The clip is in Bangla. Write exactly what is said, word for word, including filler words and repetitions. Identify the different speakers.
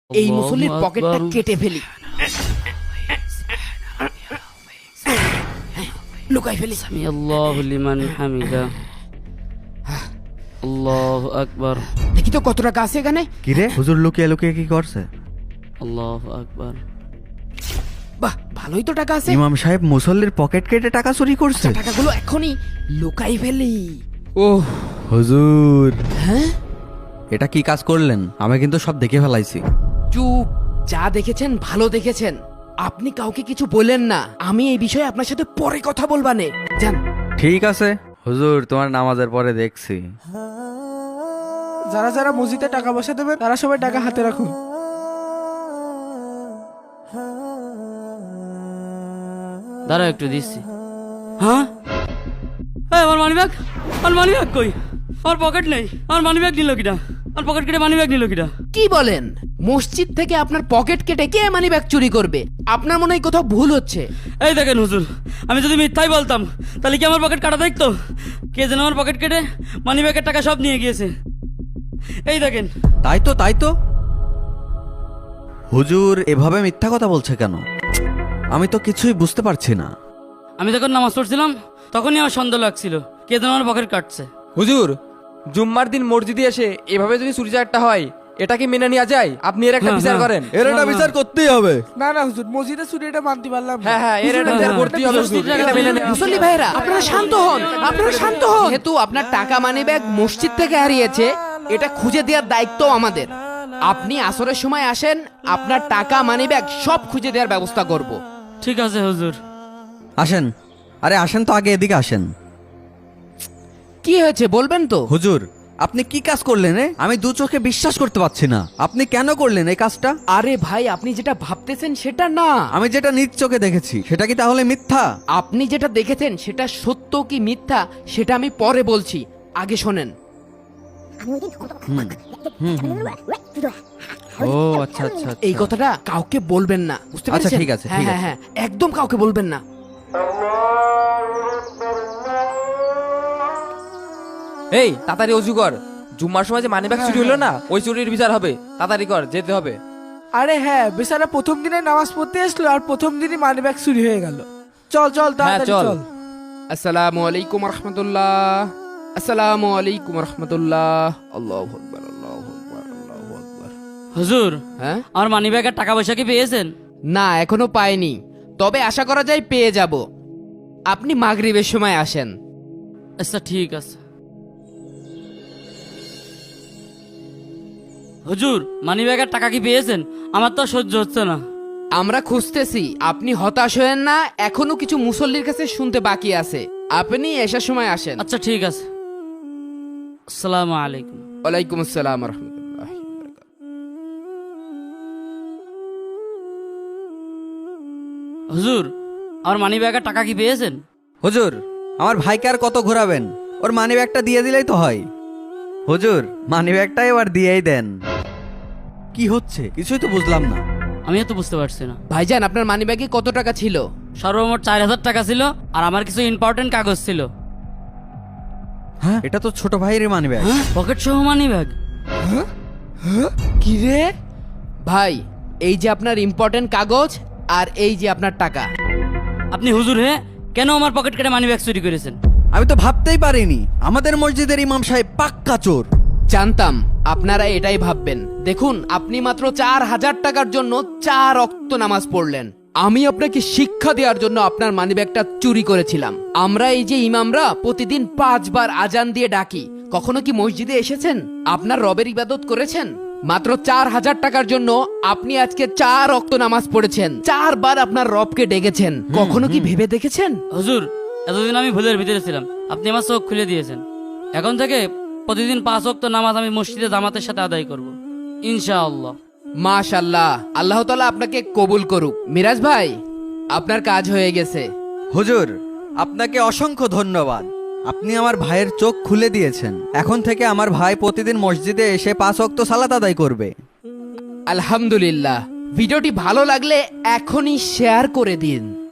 Speaker 1: এই মুসল্লির পকেটটা কেটে ফেলি, লুকাই ফেলি।
Speaker 2: সামি আল্লাহু লিমান হামিদা। আল্লাহু আকবার।
Speaker 1: দেখি তো কত টাকা আছে এখানে।
Speaker 3: কি রে, হুজুর লুকিয়ে লুকিয়ে কি করছে?
Speaker 2: আল্লাহু আকবার।
Speaker 1: বাহ, ভালোই তো টাকা আছে।
Speaker 3: ইমাম সাহেব মুসল্লির পকেট কেটে টাকা চুরি করছে।
Speaker 1: আচ্ছা, টাকাগুলো এখনই লুকাই ফেলি।
Speaker 3: ওহ হুজুর,
Speaker 1: হ্যাঁ,
Speaker 3: এটা কি কাজ করলেন? আমি কিন্তু সব দেখে ফেলাইছি।
Speaker 1: চুপ, যা দেখেছেন ভালো দেখেছেন। আপনি কাউকে কিছু বলেন না, আমি এই বিষয়ে আপনার সাথে পরে কথা বলবানে। যান।
Speaker 3: ঠিক আছে হুজুর, তোমার নামাজের পরে দেখছি।
Speaker 4: যারা যারা মসজিদে টাকা পয়সা দেবে তারা সবাই টাকা হাতে রাখুন।
Speaker 2: দাঁড়া একটু দিচ্ছি। হ্যাঁ, এই আমার মানি ব্যাগ, আমার মানি ব্যাগ কই? আমার পকেট নেই। আমার মানি ব্যাগ নিল কিনা? আমার পকেট কেটে মানি ব্যাগ নিল কিনা?
Speaker 1: কি বলেন? মসজিদ থেকে আপনার পকেট কেটে কে মানি ব্যাগ চুরি করবে? আপনার মনে হয় কোথাও ভুল হচ্ছে।
Speaker 2: এই দেখেন হুজুর, আমি যদি মিথ্যাই বলতাম তাহলে কি আমার পকেট কাটা দেখতো? কে যেন আমার পকেট কেটে মানি ব্যাগের টাকা সব নিয়ে গিয়েছে। এই দেখেন।
Speaker 3: তাই তো তাই তো হুজুর এভাবে মিথ্যা কথা বলছে কেন? আমি তো কিছুই বুঝতে পারছি না।
Speaker 2: আমি যখন নামাজ পড়ছিলাম তখনই আমার সন্দেহ লাগছিল কে যেন আমার পকেট কাটছে।
Speaker 5: হুজুর, জুম্মার দিন মসজিদে এসে এভাবে যদি চুরি চারটা হয়, এটা কি মেনে নেওয়া যায়? আপনি এর একটা
Speaker 2: হ্যাঁ,
Speaker 5: বিচার
Speaker 2: হ্যাঁ।
Speaker 5: করেন।
Speaker 3: এর একটা বিচার করতেই হবে।
Speaker 4: না না হুজুর, মসজিদে চুরি এটা মানতে পারলাম না।
Speaker 5: হ্যাঁ হ্যাঁ, এর একটা বিচার করতেই হবে হুজুর। এটা মেনে নেওয়া-
Speaker 1: মুসল্লি ভাইরা, আপনারা শান্ত হন, আপনারা শান্ত হন। যেহেতু আপনার টাকা মানি ব্যাগ মসজিদ থেকে হারিয়েছে, এটা খুঁজে দেওয়ার দায়িত্ব আমাদের। আপনি আসরের সময় আসেন, আপনার টাকা মানি ব্যাগ সব খুঁজে দেওয়ার ব্যবস্থা করব।
Speaker 2: ঠিক আছে হুজুর।
Speaker 3: আসেন, আরে আসেন তো, আগে এদিকে আসেন।
Speaker 1: কি হয়েছে বলবেন তো?
Speaker 3: হুজুর আপনি কি কাজ করলেন? এ? আমি দু চোখে বিশ্বাস করতে পারছি না। আপনি কেন করলেন এই কাজটা?
Speaker 1: আরে ভাই, আপনি যেটা ভাবতেছেন সেটা না।
Speaker 3: আমি যেটা নিজ চোখে দেখেছি সেটা কি তাহলে মিথ্যা?
Speaker 1: আপনি যেটা দেখেছেন সেটা সত্য কি মিথ্যা সেটা আমি পরে বলছি, আগে শোনেন।
Speaker 3: ও আচ্ছা আচ্ছা
Speaker 1: এই কথাটা কাউকে বলবেন না, বুঝতে
Speaker 3: আচ্ছা,
Speaker 1: পেরেছেন?
Speaker 3: ঠিক আছে,
Speaker 1: হ্যাঁ
Speaker 3: ঠিক
Speaker 1: হ্যাঁ
Speaker 3: আছে।
Speaker 1: হ্যাঁ, একদম কাউকে বলবেন না।
Speaker 5: এই তাড়াতাড়ি অজু কর। জুম্মার সময় যে মানিব্যাগ চুরি হলো না, ওই চুরির বিচার হবে। তাড়াতাড়ি কর, যেতে হবে।
Speaker 4: আরে হ্যাঁ, বেচারা প্রথম দিনে নামাজ পড়তে আসলো আর প্রথম দিনই মানি ব্যাগ চুরি হয়ে গেল। চল চল তাড়াতাড়ি
Speaker 5: চল।
Speaker 4: চল।
Speaker 1: আসসালামু আলাইকুম রহমতুল্লাহ। আসসালামু আলাইকুম রহমতুল্লাহ। আল্লাহু আকবার, আল্লাহু আকবার, আল্লাহু আকবার।
Speaker 2: হুজুর,
Speaker 1: হ্যাঁ,
Speaker 2: আমার মানি ব্যাগের টাকা পয়সা কি পেয়েছেন?
Speaker 1: না এখনো পাইনি, তবে আশা করা যায় পেয়ে যাব। আপনি মাগরিবের সময় আসেন।
Speaker 2: আচ্ছা ঠিক আছে। হুজুর, মানি ব্যাগের টাকা কি পেয়েছেন? আমার তো আর সহ্য হচ্ছে না।
Speaker 1: আমরা খুঁজতেছি, আপনি হতাশ হয়েন না, এখনো কিছু মুসল্লির কাছে শুনতে বাকি আছে। আপনি এসার সময় আসেন।
Speaker 2: আচ্ছা ঠিক আছে। আসসালামু আলাইকুম।
Speaker 1: ওয়ালাইকুম আসসালাম রহমতুল্লাহ।
Speaker 2: হুজুর, আমার মানি ব্যাগের টাকা কি পেয়েছেন?
Speaker 3: হুজুর আমার ভাইকে আর কত ঘোরাবেন? ওর মানি ব্যাগটা দিয়ে দিলেই তো হয়। হুজুর মানি ব্যাগটা এবার দিয়েই দেন। কি হচ্ছে কিছুই তো বুঝলাম না।
Speaker 2: আমিও তো বুঝতে পারছি না।
Speaker 1: ভাইজান, আপনার মানি ব্যাগে কত টাকা ছিল?
Speaker 2: সর্বমোট চার হাজার টাকা ছিল, আর আমার কিছু ইম্পর্টেন্ট কাগজ ছিল।
Speaker 3: হ্যাঁ, এটা তো ছোট ভাইয়ের মানি ব্যাগ।
Speaker 2: হ্যাঁ, পকেট সহ মানি ব্যাগ।
Speaker 1: কি রে ভাই, এই যে আপনার ইম্পর্টেন্ট কাগজ আর এই যে আপনার টাকা।
Speaker 2: আপনি হুজুর হে কেন আমার পকেট কেটে মানি ব্যাগ চুরি করেছেন?
Speaker 3: আমি তো ভাবতেই পারিনি আমাদের মসজিদের ইমাম সাহেব পাক্কা চোর।
Speaker 1: জানতাম আপনারা এটাই ভাববেন। দেখুন, আপনি মাত্র চার হাজার টাকার জন্য চার ওয়াক্ত নামাজ পড়লেন। আমি আপনাকে শিক্ষা দেওয়ার জন্য আপনার মানিব্যাগটা চুরি করেছিলাম। আমরা এই যে ইমামরা প্রতিদিন পাঁচবার আজান দিয়ে ডাকি, কখনো কি মসজিদে এসেছেন? আপনার রবের ইবাদত করেছেন? মাত্র চার হাজার টাকার জন্য আপনি আজকে চার ওয়াক্ত নামাজ পড়েছেন, চারবার আপনার রবকে ডেকেছেন। কখনো কি ভেবে দেখেছেন?
Speaker 2: হুজুর, এতদিন আমি ভুলের ভিতরে ছিলাম, আপনি আমার চোখ খুলে দিয়েছেন। এখন থেকে প্রতিদিন পাঁচ ওয়াক্ত নামাজ আমি মসজিদে জামাতের সাথে আদায় করব, ইনশাআল্লাহ।
Speaker 1: মাশাআল্লাহ, আল্লাহ তাআলা আপনাকে কবুল করুক। মিরাজ ভাই, আপনার কাজ হয়ে গেছে।
Speaker 3: হুজুর আপনাকে অসংখ্য ধন্যবাদ। আপনি আমার ভাইয়ের চোখ খুলে দিয়েছেন। এখন থেকে আমার ভাই প্রতিদিন মসজিদে এসে পাঁচ ওয়াক্ত সালাত আদায় করবে।
Speaker 1: আলহামদুলিল্লাহ। ভিডিওটি ভালো লাগলে এখনই শেয়ার করে দিন।